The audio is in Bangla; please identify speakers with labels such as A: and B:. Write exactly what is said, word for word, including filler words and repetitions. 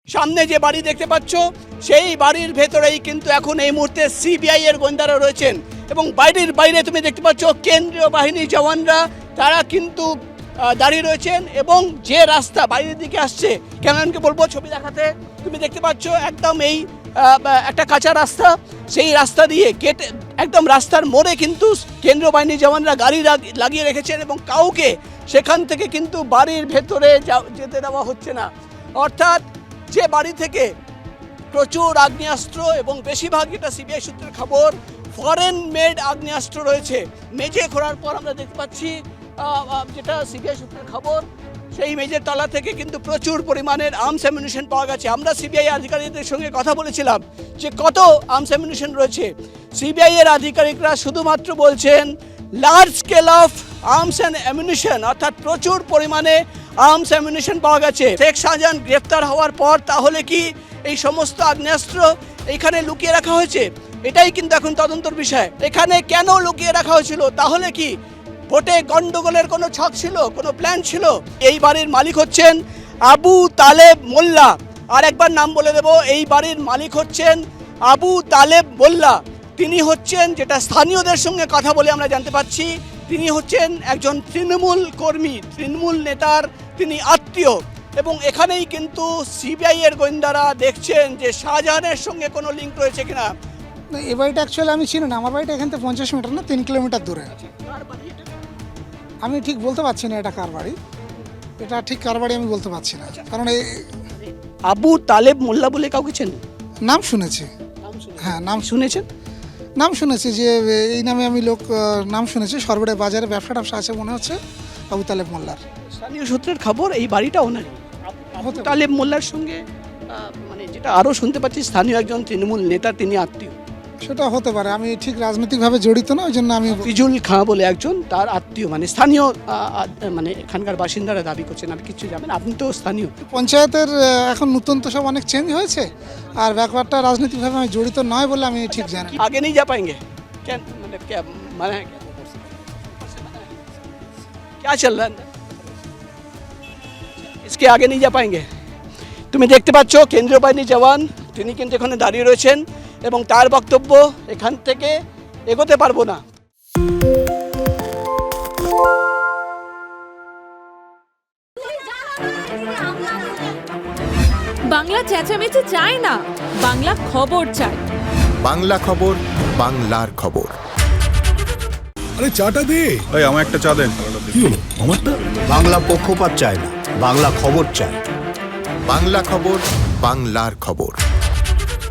A: সামনে যে বাড়ি দেখতে পাচ্ছ সেই বাড়ির ভেতরেই কিন্তু এখন এই মুহূর্তে সিবিআই এর গোয়েন্দারা রয়েছেন এবং বাইরের বাইরে তুমি দেখতে পাচ্ছ কেন্দ্রীয় বাহিনী জওয়ানরা তারা কিন্তু দাঁড়িয়ে রয়েছেন এবং যে রাস্তা বাইরের দিকে আসছে ক্যামেরাম্যানকে বলবো ছবি দেখাতে। তুমি দেখতে পাচ্ছ একদম এই একটা কাঁচা রাস্তা, সেই রাস্তা দিয়ে গেট একদম রাস্তার মোড়ে কিন্তু কেন্দ্রীয় বাহিনী জওয়ানরা গাড়ি লাগিয়ে রেখেছেন এবং কাউকে সেখান থেকে কিন্তু বাড়ির ভেতরে যেতে দেওয়া হচ্ছে না। অর্থাৎ যে বাড়ি থেকে প্রচুর আগ্নেয়াস্ত্র এবং বেশিরভাগ এটা সিবিআই সূত্রের খবর ফরেন মেড আগ্নেয়াস্ত্র রয়েছে, মেঝে খোঁড়ার পর আমরা দেখতে পাচ্ছি যেটা সিবিআই সূত্রের খবর সেই মেঝের তলা থেকে কিন্তু প্রচুর পরিমাণের আর্মস অ্যামিউনিশন পাওয়া গেছে। আমরা সিবিআই আধিকারিকদের সঙ্গে কথা বলেছিলাম যে কত আর্মস অ্যামিউনিশন রয়েছে। সিবিআই এর আধিকারিকরা শুধুমাত্র বলছেন large scale of arms and ammunition, অর্থাৎ প্রচুর পরিমাণে আর্মস অ্যামিউনিশন পাওয়া গেছে। শেখ শাহজাহান গ্রেফতার হওয়ার পর তাহলে কি এই সমস্ত আগ্নেয়াস্ত্র এখানে লুকিয়ে রাখা হয়েছে? এটাই কিন্তু এখন তদন্তর বিষয়। এখানে কেন লুকিয়ে রাখা হয়েছিল? তাহলে কি ভোটে গন্ডগোলের কোনো ছক ছিল, কোনো প্ল্যান ছিল? এই বাড়ির মালিক হচ্ছেন আবু তালেব মোল্লা। আর একবার নাম বলে দেব, এই বাড়ির মালিক হচ্ছেন আবু তালেব মোল্লা। তিনি হচ্ছেন, যেটা স্থানীয়দের সঙ্গে কথা বলে আমরা জানতে পারছি, তিনি হচ্ছেন একজন তৃণমূল কর্মী, তৃণমূল নেতার তিনি আত্মীয়। এবং এখানেই কিন্তু সিবিআই এর গোয়েন্দারা দেখছেন যে শাহজাহানের সঙ্গে কোনো লিঙ্ক রয়েছে কিনা।
B: এই বাড়িটা অ্যাকচুয়ালি আমি চিনি না, আমার বাড়িটা এখান থেকে পঞ্চাশ মিটার না তিন কিলোমিটার দূরে। আমি ঠিক বলতে পারছি না এটা কার বাড়ি, এটা ঠিক কার বাড়ি আমি বলতে পারছি না, কারণ এই
A: আবু তালেব মোল্লা বলে কাউকে চেন?
B: নাম শুনেছি, হ্যাঁ নাম
A: শুনেছেন,
B: নাম শুনেছি যে এই নামে আমি লোক নাম শুনেছি। সরবরাহ বাজারে ব্যবসা ট্যাবসা আছে মনে হচ্ছে আবু তালেব মোল্লার।
A: স্থানীয় সূত্রের খবর এই বাড়িটা ওনারই। আবু তালেব মোল্লার সঙ্গে মানে যেটা আরও শুনতে পাচ্ছি স্থানীয় একজন তৃণমূল নেতা তিনি আত্মীয়।
B: সেটা হতে পারে, আমি ঠিক রাজনৈতিকভাবে জড়িত না, ওই জন্য আমি।
A: ফিজুল খাঁ বলে একজন তার আত্মীয়, মানে স্থানীয়, মানে এখানকার বাসিন্দারা দাবি করছেন। আপনি কিছু জানেন? আপনি তো স্থানীয়।
B: পঞ্চায়েতের এখন নতুন তো সব অনেক চেঞ্জ হয়েছে, আর ব্যাপারটা রাজনৈতিকভাবে আমি জড়িত নয় বলে আমি ঠিক জানি।
A: আগে নেই যা পাएंगे কেন, মানে মানে क्या चल रहा है इसके आगे नहीं जा पाएंगे। তুমি দেখতে পাচ্ছ কেন্দ্রীয় বাহিনী জওয়ান তিনি কিন্তু এখানে দাঁড়িয়ে রয়েছেন এবং তার বক্তব্য এখান থেকে এগোতে পারবো না।
C: বাংলা চেঁচামেচি চাই না, বাংলা খবর চাই।
D: বাংলা খবর, বাংলার খবর।
E: আরে চাটা দে।
F: এই আমার একটা চা দেন।
E: কি হলো আমারটা?
G: বাংলা পক্ষপাত চায় না, বাংলা খবর চায়।
D: বাংলা খবর, বাংলার খবর।